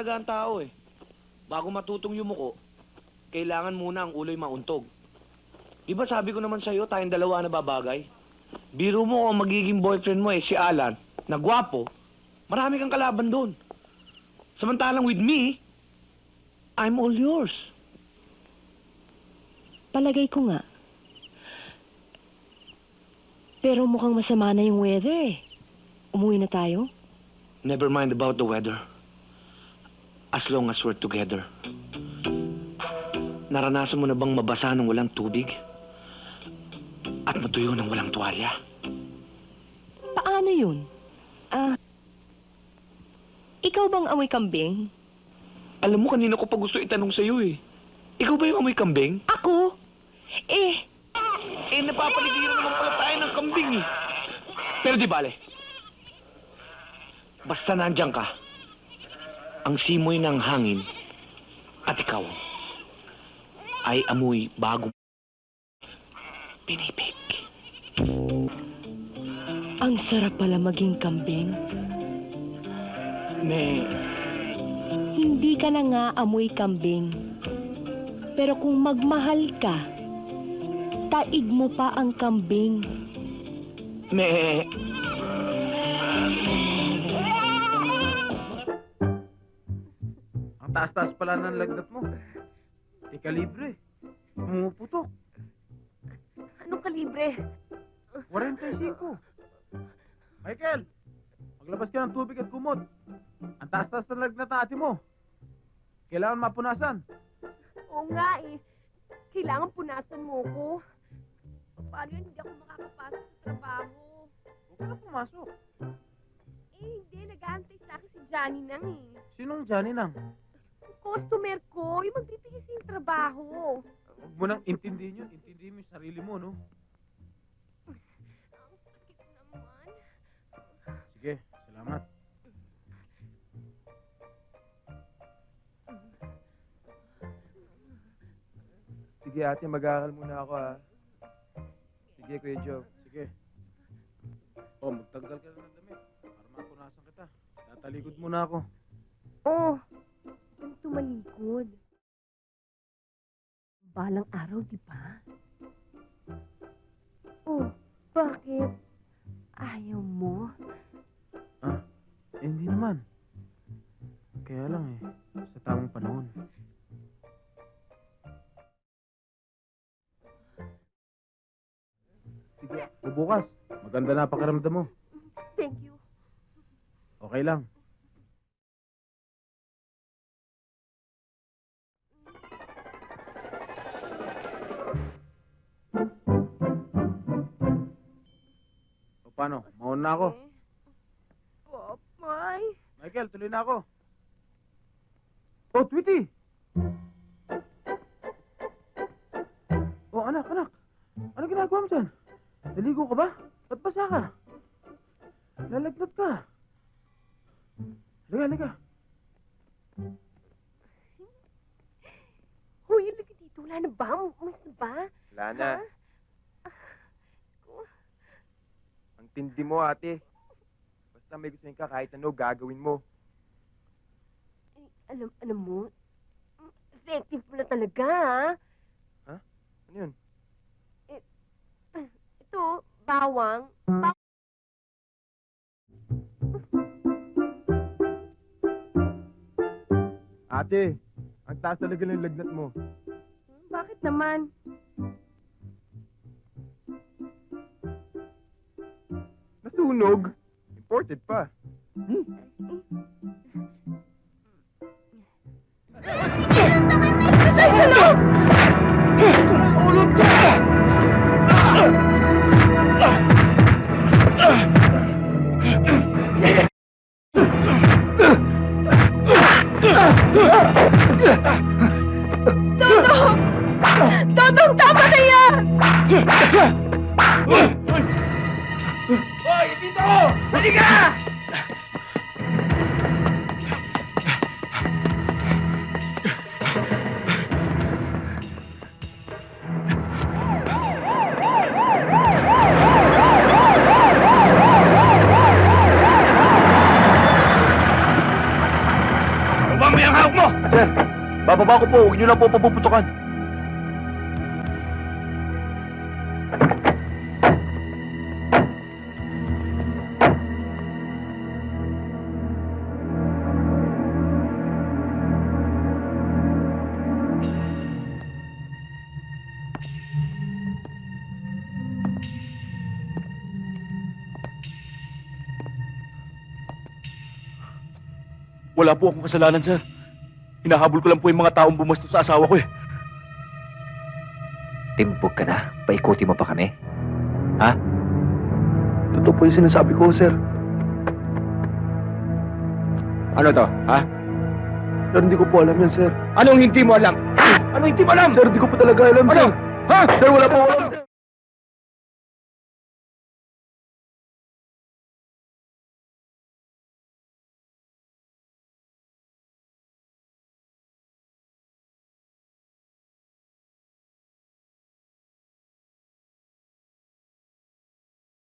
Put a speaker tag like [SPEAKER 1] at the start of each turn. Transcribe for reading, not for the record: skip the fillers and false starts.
[SPEAKER 1] talaga ang tao eh. Bago matutong yumuko, kailangan muna ang ulo'y mauntog. Di ba sabi ko naman sa'yo, tayong dalawa na babagay? Biro mo kung magiging boyfriend mo eh, si Alan, na gwapo, marami kang kalaban doon. Samantalang with me, I'm all yours.
[SPEAKER 2] Palagay ko nga. Pero mukhang masama na yung weather eh. Umuwi na tayo?
[SPEAKER 1] Never mind about the weather. As long as we're together. Naranasan mo na bang mabasa ng walang tubig? At matuyo ng walang tuwalya?
[SPEAKER 2] Paano yun? Ikaw bang amoy kambing?
[SPEAKER 1] Alam mo, kanina ko pa gusto itanong sa'yo eh. Ikaw ba yung amoy kambing?
[SPEAKER 2] Ako?
[SPEAKER 1] Napapaligiran naman pala tayo ng kambing eh. Pero di bale. Basta nandiyan ka, ang simoy ng hangin at ikaw ay amoy bagong pinipig.
[SPEAKER 2] Ang sarap pala maging kambing. Hindi ka na nga amoy kambing. Pero kung magmahal ka, taig mo pa ang kambing.
[SPEAKER 3] Ang taas-taas pala ng lagnat mo. Di kalibre. Pumuputok.
[SPEAKER 4] Anong kalibre?
[SPEAKER 3] 45. Michael, maglabas ka ng tubig at kumot. Ang taas-taas ng lagnat ng ate mo. Kailangan mapunasan.
[SPEAKER 4] Oo nga eh. Kailangan punasan mo ko. Paano yun? Hindi ako makakapasok sa trabaho.
[SPEAKER 3] Huwag ka na pumasok.
[SPEAKER 4] Hindi. Nag-aantay sa akin si Johnny nang eh.
[SPEAKER 3] Sinong Johnny nang?
[SPEAKER 4] Customer ko. Yung magbibigay sa yung trabaho.
[SPEAKER 3] Huwag mo nang intindihin yun. Intindihin mo yung sarili mo, no?
[SPEAKER 4] Ang sakit naman.
[SPEAKER 3] Sige, salamat.
[SPEAKER 5] Sige ate, mag-aaral muna ako ha. Sige Kuya Joe.
[SPEAKER 3] Sige. Oh, magtanggal ka na ng damit. Para mapunasan kita. Tatalikod muna ako.
[SPEAKER 4] Oh, ang tumalikod. Balang araw, di ba? Oh, bakit? Ayaw mo?
[SPEAKER 3] Hindi naman. Kaya lang eh, sa tamang panahon. Sige, bubukas. Maganda na pakiramdam mo.
[SPEAKER 4] Thank you.
[SPEAKER 3] Okay lang. O paano? Mauna na ako.
[SPEAKER 4] Papay.
[SPEAKER 3] Michael, tuloy na ako. Oh, Tweety! Oh, anak. Ano ginagawa mo dyan? Naligo ka ba? Ba't basa ka? Lalagnat ka. Liga.
[SPEAKER 4] Hoy, halika dito. Wala na ba? Umas na ba?
[SPEAKER 5] Wala na. Ang tindi mo ate. Basta may gusto ka kahit ano gagawin mo.
[SPEAKER 4] Alam mo, effective mo na talaga, ha?
[SPEAKER 5] Ano yun?
[SPEAKER 4] Ito, bawang.
[SPEAKER 5] Ate, ang taas talaga ng lagnat mo.
[SPEAKER 4] Bakit naman?
[SPEAKER 5] Nasunog? Imported pa.
[SPEAKER 4] Patay sa loob!
[SPEAKER 5] Ulog ka!
[SPEAKER 4] Dodong, tama na yan!
[SPEAKER 1] Hoy, dito! Halika! mo yung hawak mo!
[SPEAKER 3] Sir, bababa ko po. Huwag niyo lang po papuputukan. Wala po akong kasalanan, sir. Hinahabol ko lang po yung mga taong bumastos sa asawa ko eh.
[SPEAKER 6] Timbog ka na. Paikuti mo pa kami.
[SPEAKER 3] Totoo po yung sinasabi ko, sir.
[SPEAKER 6] Ano to, ha?
[SPEAKER 3] Sir, hindi ko po alam yan, sir.
[SPEAKER 6] Anong hindi mo alam? Anong hindi mo alam?
[SPEAKER 3] Sir, hindi ko po talaga alam,
[SPEAKER 6] Ano?
[SPEAKER 3] sir.
[SPEAKER 6] Ha?
[SPEAKER 3] Sir, wala po alam.